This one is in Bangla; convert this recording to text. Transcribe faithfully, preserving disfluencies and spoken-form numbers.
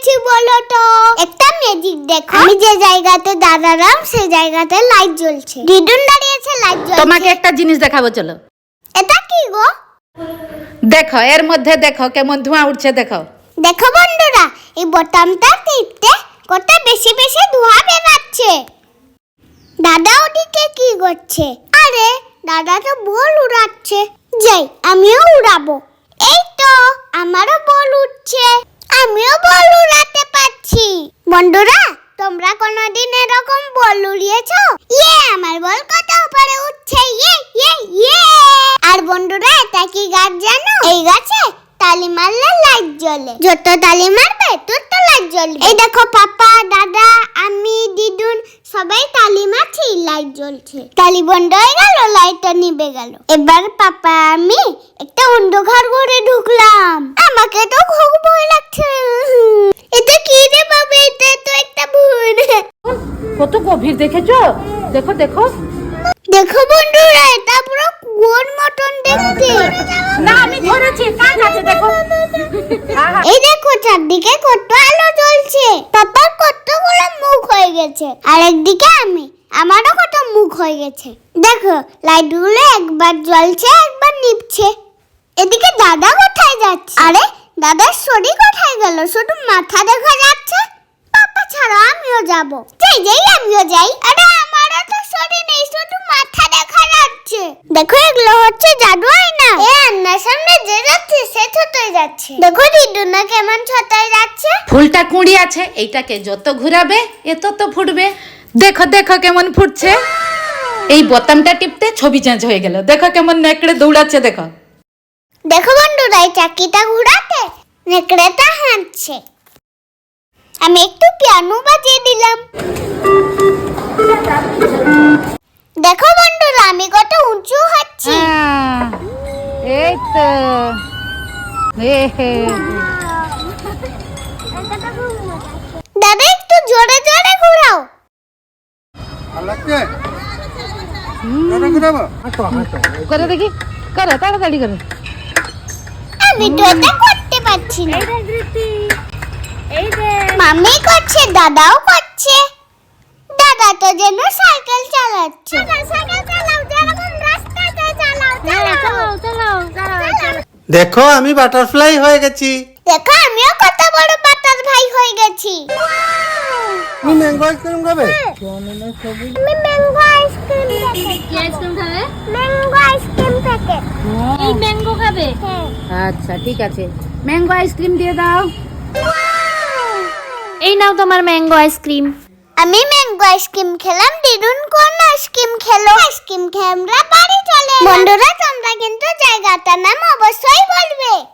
পেয়েছি বলো তো? একটা ম্যাজিক দেখো, আমি যে জায়গাতে দাঁড়ালাম সেই জায়গাতে লাইট জ্বলছে। দিদুন দাঁড়িয়েছে, লাইট জ্বলছে। তোমাকে একটা জিনিস দেখাবো, চলো। এটা কি গো? দেখো, এর মধ্যে দেখো কেমন ধোঁয়া উঠছে, দেখো। দেখো বন্ধুরা, এই বোতামটা টিপতে কত বেশি বেশি ধোঁয়া বেরাচ্ছে। দাদা ওদিকে কি করছে? আরে দাদা তো বল উড়াচ্ছে। যাই আমিও উড়াবো। এই তো আমারও বল উঠছে, আমিও বল উড়াতে পারছি। বন্ধুরা, তোমরা কোনোদিন এরকম বল উড়িয়েছো? ইয়ে, আমার বল কত উপরে উঠছে। ইয়ে ইয়ে ইয়ে। আর বন্ধুরা, এটা কি গাছ জানো? এই গাছে তালি মারলে লাইট জ্বলে। যত তালি মারবে তত লাইট জ্বলবে। এই দেখো, পাপা, দাদা, আমি, দিদুন সবাই তালি মারছি, লাইট জ্বলছে। তালি বন্ধ হয়ে গেল, লাইটটা নিভে গেল। এবার পাপা আমি একটা অন্ধকার ঘরে ঢুকলাম। আমাকে তো খুব ভয় লাগছে। এটা কি রে বাবা? এটা তো একটা ভূত। কত গভীর দেখেছো? দেখো দেখো দেখো বন্ধুরা, এটা পুরো কুয়োর মতন দেখতে। না, আমি ধরেছি, কাজ আছে, দেখো। এই দেখো, চারদিকে কত আলো জ্বলছে। পাপার কতগুলো মুখ হয়ে গেছে, আর একদিকে আমি, আমারও কত মুখ হয়ে গেছে। দেখো, লাইটগুলো একবার জ্বলছে, একবার নিভছে। এদিকে দাদা কোথায় যাচ্ছে? আরে দাদার শরীর কোথায় গেল? শুধু মাথা দেখা যাচ্ছে। পাপা ছাড়া আমিও যাব। যাই যাই আমিও যাই। আরে আমারও তো শরীর নেই, শুধু মাথা দেখা যাচ্ছে। দেখো, এগুলো হচ্ছে জাদু আয়না। এ আয়নার সামনে যে যাচ্ছে সে ছোটই যাচ্ছে। দেখো দিদুনা কেমন ছোটই যাচ্ছে। ফুলটা কুঁড়ি আছে, এইটাকে যত ঘুরাবে এত তো ফুটবে। দেখো দেখো কেমন ফুটছে। এই বোতামটা টিপতে ছবি চেঞ্জ হয়ে গেল। দেখো কেমন নেকড়ে দৌড়াচ্ছে, দেখো। দেখো বন্ধুরা, এই চাকিটা ঘুরাতে নেকড়েটা হাঁটছে। আমি একটু পিয়ানো বাজিয়ে দিলাম। দেখো বন্ধুরা, আমি কত উঁচু হচ্ছি। এই তো দাদা একটু জোরে জোরে ঘোরাও। করে দেখি, করো তাড়াতাড়ি করো। আমি তো এটা করতে পারছি না। মামি করছে, দাদাও করছে। দাদা তো যেন সাইকেল চালাচ্ছে। দেখো, আমি বাটারফ্লাই হয়ে গেছি। দেখো, আমিও কত বড় বাটারফ্লাই হয়ে গেছি। তুমি ম্যাঙ্গো আইসক্রিম খাবে? আমি ম্যাঙ্গো আইসক্রিম প্যাকেট। কি আইসক্রিম খাবে? Mango ice cream packet. এই ম্যাঙ্গো খাবে? আচ্ছা ঠিক আছে, ম্যাঙ্গো আইসক্রিম দিয়ে দাও। এই নাও তোমার ম্যাঙ্গো আইসক্রিম। আমি ম্যাঙ্গো আইসক্রিম খেলাম, দিদুন কোন আইসক্রিম খেলো? আইসক্রিম খেয়ে আমরা বাড়ি চলে এলাম। বন্ধুরা, তোমরা কিন্তু জায়গাটার নাম অবশ্যই বলবে।